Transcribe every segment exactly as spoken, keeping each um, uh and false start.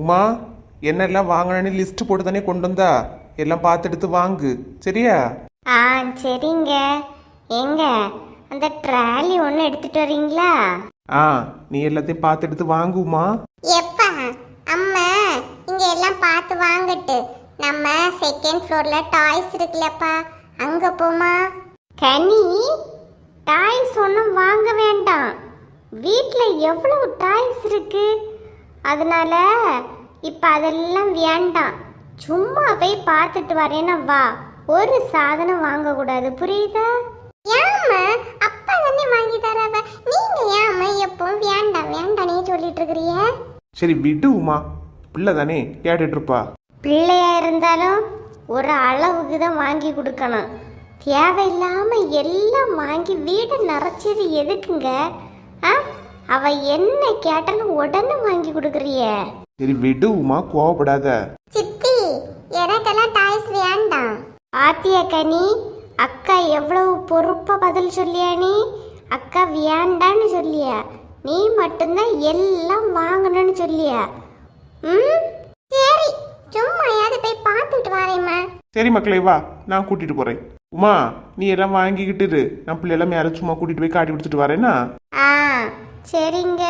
உமா, என்னெல்லாம் வாங்கணும்னு லிஸ்ட் போட்டு தானே கொண்டு வந்தா, எல்லாம் பார்த்து எடுத்து வாங்கு சரியா? ஆ சரிங்க. எங்க அந்த ட்ராலி ஒன்று எடுத்துட்டு வரீங்களா? ஆ, நீ எல்லாத்தையும் பார்த்து எடுத்து வாங்குமா. எப்பா அம்மா இங்க எல்லாம் பார்த்து வாங்கட்டு, நம்ம செகண்ட் ஃப்ளோர்ல டாய்ஸ் இருக்குல்லப்பா, அங்க போமா. கனி, டாய்ஸ் ஒன்றும் வாங்க வேண்டாம், வீட்டில் எவ்வளவு டாய்ஸ் இருக்கு, அதனால இப்போ அதெல்லாம் வேண்டாம். சும்மா போய் பார்த்துட்டு வரேன்னா வா, ஒரு சாதனம் வாங்கக்கூடாது, புரியுதா? ஏம்மா அப்பா தானே வாங்கி தரவ, நீங்க ஏம்மா எப்பவும் வேண்டாம் வேண்டானே சொல்லிட்டு இருக்கிறீங்க? சரி விடு உமா, பிள்ளை தானே கேட்டுட்டு இருப்பா. பிள்ளையா இருந்தாலும் ஒரு அளவுக்கு தான் வாங்கி கொடுக்கணும், தேவையில்லாம எல்லாம் வாங்கி வீடு நிறைச்சது எதுக்குங்க? ஆ, அவ என்ன கேட்டாலும் உடனே வாங்கி கொடுக்குறிய. சரி விடு உமா, கோவப்படாத. சித்தி, எனக்கெல்லாம் டாய்ஸ் வேண்டாம். ஆத்தியா கனி, அக்கா எவ்வளவு பொறுப்பா பதில் சொல்லியா? நீ அக்கா வேண்டான்னு சொல்லியா, நீ மட்டும்தான் எல்லாம் வாங்கணும்னு சொல்லியா? ம் சரி, சும்மாயாவது போய் பார்த்துட்டு வரேம்மா. சரி மக்களே வா, நான் கூட்டிட்டு போறேன். உமா, நீ எல்லாம் வாங்கிக்கிட்டு இரு, நான் பிள்ளைலாம் மேலே சும்மா கூட்டிட்டு போய் காட்டி கொடுத்துட்டு வரேன்னா. ஆ சரிங்க.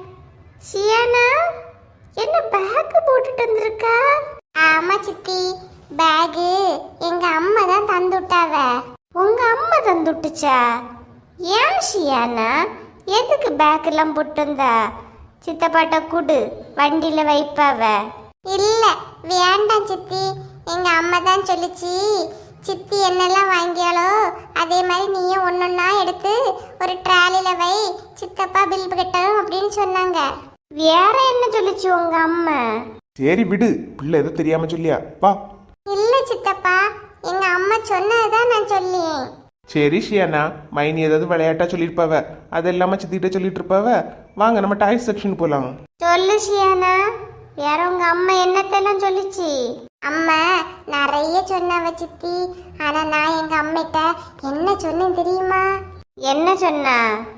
சியானா, என்ன பேக் போட்டுட்டு வந்திருக்கா? ஆமா சித்தி, பேகு எங்க அம்மா தான் தந்து விட்டாவ. உங்க அம்மா தந்து விட்டுச்சா? ஏன் ஷியானா, எதுக்கு பேக் எல்லாம் போட்டு வந்தா? சித்தப்பாட்ட கூடு, வண்டியில வைப்பாவ. இல்ல வேண்டாம் சித்தி, எங்க அம்மா தான் சொல்லிச்சு, சித்தி என்னெல்லாம் வாங்கியாலோ அதே மாதிரி நீயும் ஒன்னொன்னா எடுத்து ஒரு ட்ராலில வை, சித்தப்பா பில் கட்டணும் அப்படின்னு சொன்னாங்க. வேற என்ன சொல்லிச்சு உங்க அம்மா? சரி விடு, பிள்ளை எதோ தெரியாம சொல்லியா, வா. இல்ல சித்தப்பா, எங்க அம்மா சொன்னதுதான் நான் சொல்லியேன். சரி ஷியானா, மைனி ஏதாவது விளையாட்டா சொல்லியிருப்பாவ, அது இல்லாம சித்திகிட்ட சொல்லிட்டு இருப்பாவ. வாங்க நம்ம டாய்ஸ் செக்ஷன் போலாம். சொல்லு ஷியானா, வேற உங்க அம்மா என்னத்தெல்லாம் சொல்லிச்சு? அம்மா நிறைய சொன்னவ சித்தி, ஆனா நான் எங்க அம்மிட்ட என்ன சொன்னேன் தெரியுமா? என்ன சொன்னா?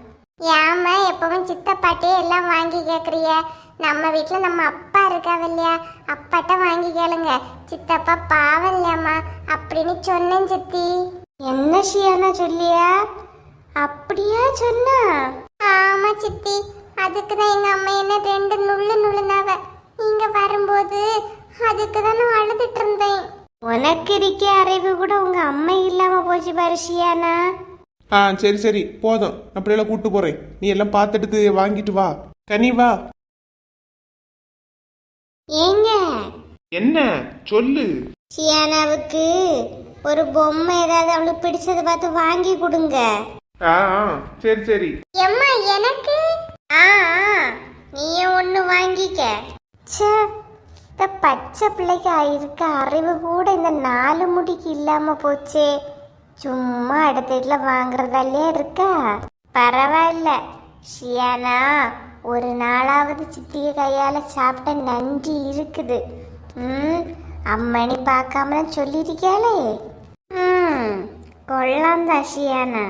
ஏமா எப்பவும் சித்தப்பாட்டே எல்லாம் வாங்கி கேக்குறிய, நம்ம வீட்டுல நம்ம அப்பா இருக்காவ இல்லையா, அப்பாட்ட வாங்கி கேளுங்க, சித்தப்பா பாவம் இல்லையாம்மா அப்படின்னு சொன்னேன் சித்தி. என்ன ஷியானா சொல்லியா? அப்படியா சொன்னா? ஆமா சித்தி, அதுக்குதான் எங்க அம்மா என்ன ரெண்டு நுள்ளு நுள்ளுனாவ, நீங்க வரும்போது அதுக்கு தான் நான் அழுதுட்டு இருந்தேன். உனக்கு இருக்க அறிவு கூட உங்க அம்மா இல்லாம போச்சு பாரு ஷியானா. ஆ சரி சரி போதும், நான் பிள்ளைகளை கூட்டு போறேன், நீ எல்லாம் பார்த்துட்டு வாங்கிட்டு வா. கனி வா. ஏங்க என்ன சொல்லு. ஷியானாவுக்கு ஒரு பொம்மை ஏதாவது அவளுக்கு பிடிச்சதை பார்த்து வாங்கி கொடுங்க. ஆ சரி சரி. எம்மா எனக்கு? ஆ நீயும் ஒண்ணு வாங்கிக்க. ச்சே, இந்த பச்சை பிள்ளைக்கு இருக்க அறிவு கூட இந்த நாலு முடிக்கு இல்லாம போச்சே. சும்மா அடுத்த வீட்டுல வாங்குறதாலே இருக்கா. பரவாயில்ல ஷியானா, ஒரு நாளாவது சித்திய கையால சாப்பிட்ட நன்றி இருக்குது. ம் அம்மணி பார்க்காம சொல்லியிருக்காளே. ம் கொள்ளாம் தான் ஷியானா.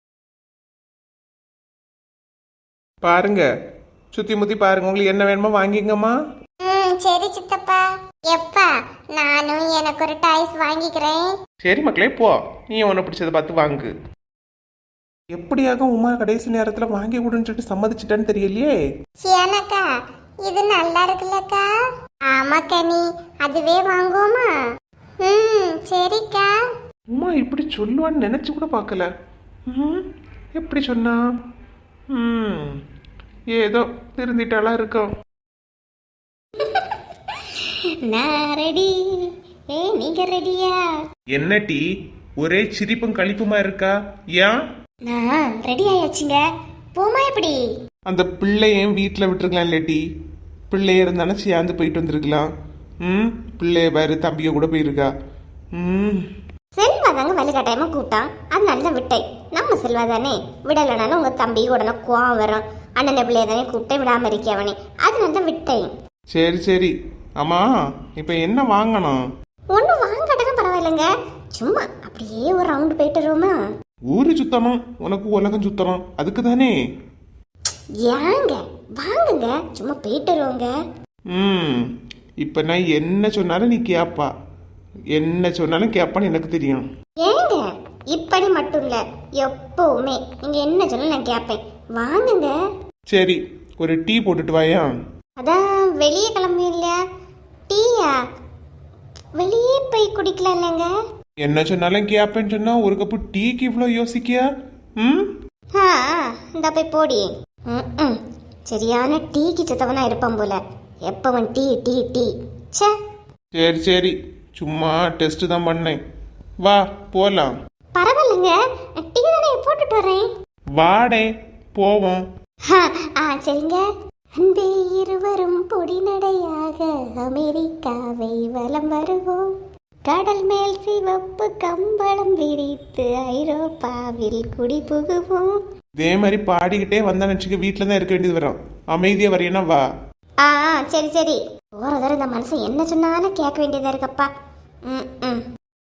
பாருங்க, சுத்தி முத்தி பாருங்க, உங்களுக்கு என்ன வேணுமோ வாங்கிங்கம்மா. ம் சரி சித்தப்பா. எப்பா நானும் எனக்கு ஒரு டாய்ஸ் வாங்கிக்கிறேன். சரி மக்களே போ, நீ உன்னை பிடிச்சதை பார்த்து வாங்கு. எப்படியாக உமா கடைசி நேரத்துல வாங்கி கொடுன்னு சொல்லிட்டு சம்மதிச்சிட்டான்னு தெரியலையே. சியானாக்கா, இது நல்லா இருக்குல்லக்கா? ஆமா கனி, அதுவே வாங்குவோமா? ம் சரிக்கா. உமா இப்படி சொல்லுவான்னு நினைச்சு கூட பார்க்கல. ம் எப்படி சொன்னா? ம் ஏதோ திருந்திட்டாலாம் இருக்கும். நான் ரெடி, ஏ நீங்க ரெடியா? என்ன டீ ஒரே சிரிப்பும் கழிப்புமா இருக்கா? ஏன்? நான் ரெடி ஆயாச்சுங்க, போமா எப்படி? அந்த பிள்ளையும் வீட்டில் விட்டுருக்கலாம் இல்லாட்டி, பிள்ளைய இருந்தானே சேர்ந்து போயிட்டு வந்திருக்கலாம். ம் பிள்ளைய பாரு, தம்பிய கூட போயிருக்கா. ம் செல்வா தாங்க வலுக்கட்டாயமா கூட்டான், அதனால தான் விட்டேன். நம்ம செல்வா தானே, விடலைனாலும் உங்க தம்பி உடனே கோவம் வரும். அண்ணன் பிள்ளைய தானே கூப்பிட்டே விடாம இருக்கவனே, அதனால தான் விட்டேன். சரி சரி. ஆமா இப்போ என்ன வாங்கணும்? ஒன்றும் வாங்கட்டனா பரவாயில்லைங்க, சும்மா அப்படியே ஒரு ரவுண்டு போயிட்டு வருவோமா? ஊரு சுத்தணும், உனக்கு உலகம் சுத்தணும், அதுக்கு தானே. ஏங்க வாங்குங்க, சும்மா போயிட்டு வருவோங்க. ம் இப்போ நான் என்ன சொன்னாலும் நீ கேட்பா, என்ன சொன்னாலும் கேட்பான்னு எனக்கு தெரியும். ஏங்க இப்படி மட்டும் இல்ல, எப்பவுமே நீங்க என்ன சொன்னாலும் நான் கேட்பேன். வாங்குங்க. சரி, ஒரு டீ போட்டுட்டு வாயா. அதான் வெளியே கிளம்பி இல்லையா, டீயா வெளியே போய் குடிக்கலாம் இல்லைங்க. என்ன சொன்னாலும் கேட்பேன்னு சொன்னா ஒரு கப்பு டீக்கு இவ்வளோ யோசிக்கியா? ம் ஆ இந்த போய் போடி. ம் சரியான டீக்கு சித்தவனா இருப்பான் போல, எப்பவன் டீ டீ டீ. சே சரி சரி, சும்மா டெஸ்ட் தான் பண்ணேன். வா போலாம். பரவாயில்லைங்க, டீ தானே போட்டுட்டு வரேன். வாடே போவோம். ஆ சரிங்க. அன்பே இருவரும் பொடி நடையாக அமெரிக்காவை வலம் வருவோம், கடல் மேல் சிவப்பு கம்பளம் விரித்து ஐரோப்பாவில் குடி புகுவோம். இதே மாதிரி பாடிக்கிட்டே வந்தா நினச்சிக்க வீட்டில் தான் இருக்க வேண்டியது வரும். அமைதியாக வரையனா வா. ஆ சரி சரி. ஒரு தடவை இந்த மனுஷன் என்ன சொன்னாலும் கேட்க வேண்டியதா இருக்கப்பா. ம் ம்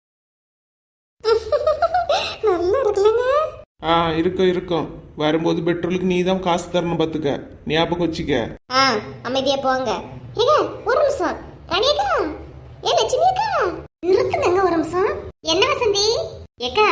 நல்லா இருக்குல்லங்க. ஆ இருக்கும் இருக்கும். வரும்போது பெட்ரோலுக்கு நீ தான் காசு தரணும் பார்த்துக்க, ஞாபகம் வச்சுக்க. ஆ அமைதியா போங்க. ஏங்க ஒரு நிமிஷம். ராணியக்கா, ஏ லட்சுமி அக்கா, இருக்குதுங்க ஒரு நிமிஷம். என்ன வசந்தி ஏக்கா,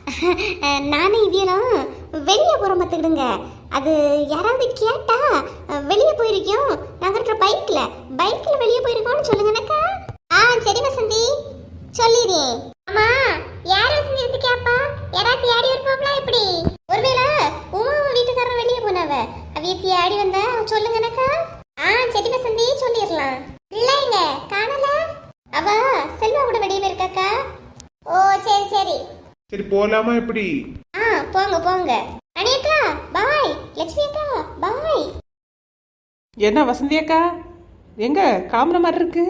நானும் இவியலும் வெளியே போகிறோம் பார்த்துக்கிடுங்க. அது யாராவது கேட்டா வெளியே போயிருக்கோம், நாங்கள் இருக்கிற பைக்கில் பைக்கில் வெளியே போயிருக்கோம்னு சொல்லுங்கண்ணக்கா. ஆ சரி வசந்தி சொல்லிடுறேன். ஆமா யார் வசந்தி இருந்து கேப்பா, யாராவது தேடி இருப்பாங்களா எப்படி? ஒருவேளை உமா வீட்டுக்காரன் வெளியே போனவ, அவிய தேடி வந்தா சொல்லுங்கண்ணக்கா. ஆ சரி வசந்தி சொல்லிடலாம். இல்லைங்க காணல, அவ செல்வா கூட வெளியே போயிருக்காக்கா. ஓ சரி சரி. சரி போலாமா எப்படி? ஆ போங்க போங்க. அனியக்கா பாய், லட்சுமி அக்கா பாய். என்ன வசந்தி அக்கா, எங்க கிளம்புற மாதிரி இருக்கு?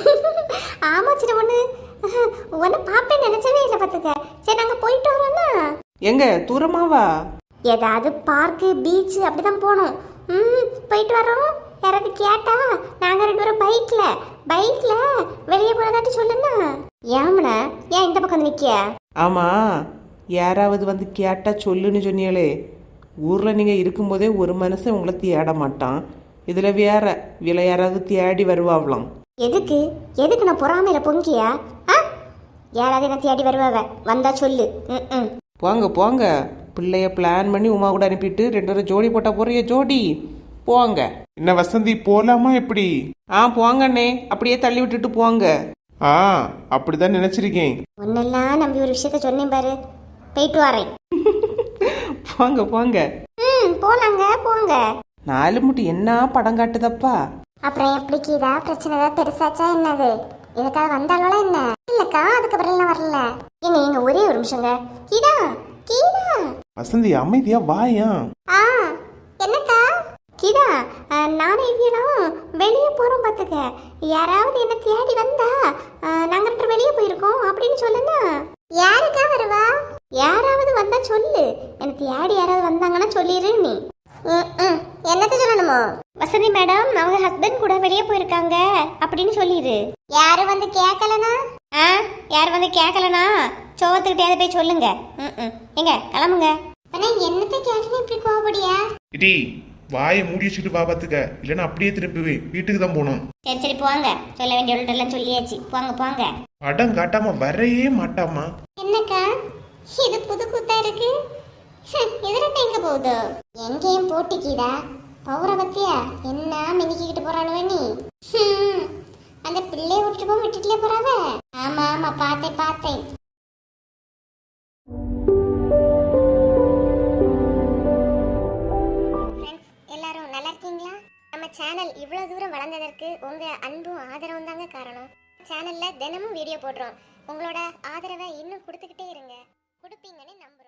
ஆமா சின்ன ஒண்ணு, உன்னை பாப்பேன்னு நினைச்சவே இல்லை பார்த்துக்க. சரி நாங்க போயிட்டு வரோம்னா. எங்க தூரமாவா? ஏதாவது பார்க்கு பீச் அப்படிதான் போகணும். ம் போயிட்டு வரோம். யாராவது கேட்டா நாங்க ரெண்டு பேரும் பைக்ல பைக்ல வெளியே போனதாட்டி சொல்லுன்னா. ஏம்ன ஏன் இந்த பக்கம் வந்து நிக்கிய? ஆமா, யாராவது வந்து கேட்டா சொல்லுன்னு சொன்னீங்களே. ஊர்ல நீங்க இருக்கும்போதே ஒரு மனுஷன் உங்களை தேட மாட்டான், இதுல வேற விலை யாராவது தேடி வருவாங்களாம். எதுக்கு எதுக்கு நான் பொறாமையில பொங்கியா? ஆ யாராவது என்ன தேடி வருவாவ, வந்தா சொல்லு. ம் ம் போங்க போங்க, பிள்ளைய பிளான் பண்ணி உமா கூட அனுப்பிட்டு ரெண்டு பேரும் ஜோடி போட்டா போறிய ஜோடி. போங்க. என்ன வசந்தி போலாமா எப்படி? ஆ போங்கண்ணே, அப்படியே தள்ளி விட்டுட்டு போங்க. ஆ அப்படிதான் நினைச்சிருக்கேன். ஒன்னெல்லாம் நம்பி ஒரு விஷயத்த சொன்னேன் பாரு, போயிட்டு வரேன். போங்க போங்க. ம் போலாங்க போங்க. நாலு முட்டி என்ன படம் காட்டுதப்பா. அப்புறம் எப்படி கீதா, பிரச்சனை ஏதாவது பெருசாச்சா என்னது? இதுக்காக வந்தாலும் என்ன இல்லக்கா, அதுக்கப்புறம் எல்லாம் வரல. எங்க எங்க ஒரே ஒரு நிமிஷங்க. கீதா கீதா. வசந்தி அமைதியா வாயா. ஆ என்னக்கா? கீதா நானும் இவ்வியும் வெளியே போறோம் பார்த்துக்க. யாராவது என்ன தேடி வந்தா நாங்க ரெண்டு வெளியே போயிருக்கோம் அப்படின்னு சொல்லுங்க. யாருக்கா வருவா? யாராவது வந்தா சொல்லு, எனக்கு தேடி யாராவது வந்தாங்கன்னா சொல்லிடு நீ. என்னத்த சொல்லணுமோ? வசந்தி மேடம் அவங்க ஹஸ்பண்ட் கூட வெளியே போயிருக்காங்க அப்படின்னு சொல்லிடு. யாரு வந்து கேட்கலனா? ஆ யாரு வந்து கேட்கலனா சோவத்துக்கிட்டே போய் சொல்லுங்க. ம் எங்க கிளம்புங்க. என்னத்த கேட்கணும் இப்படி கோபடியா? இடி வாயை மூடி வச்சுட்டு வா பார்த்துக்க, இல்லைன்னா அப்படியே திரும்புவேன், வீட்டுக்கு தான் போகணும். சரி சரி போங்க, சொல்ல வேண்டியவள்கிட்ட சொல்லியாச்சு. போங்க போங்க. படம் காட்டாம வரையே மாட்டாமா. என்னக்கா இது புது கூத்தா இருக்கு? இதுல எங்க போகுதோ? எங்கேயும் போட்டிக்கீதா பௌர பத்தியா என்ன மினிக்கிட்டு போறானுவ நீ? அந்த பிள்ளைய விட்டுட்டு போ விட்டுட்டுல போறாவ. ஆமா ஆமா பார்த்தேன் பார்த்தேன். எல்லாரும் நல்லா இருக்கீங்களா? நம்ம சேனல் இவ்வளவு தூரம் வளர்ந்ததற்கு உங்க அன்பும் ஆதரவும் தாங்க காரணம். சேனல்ல தினமும் வீடியோ போடுறோம். உங்களோட ஆதரவை இன்னும் கொடுத்துக்கிட்டே இருங்க. கொடுப்பீங்கன்னு நம்புறேன்.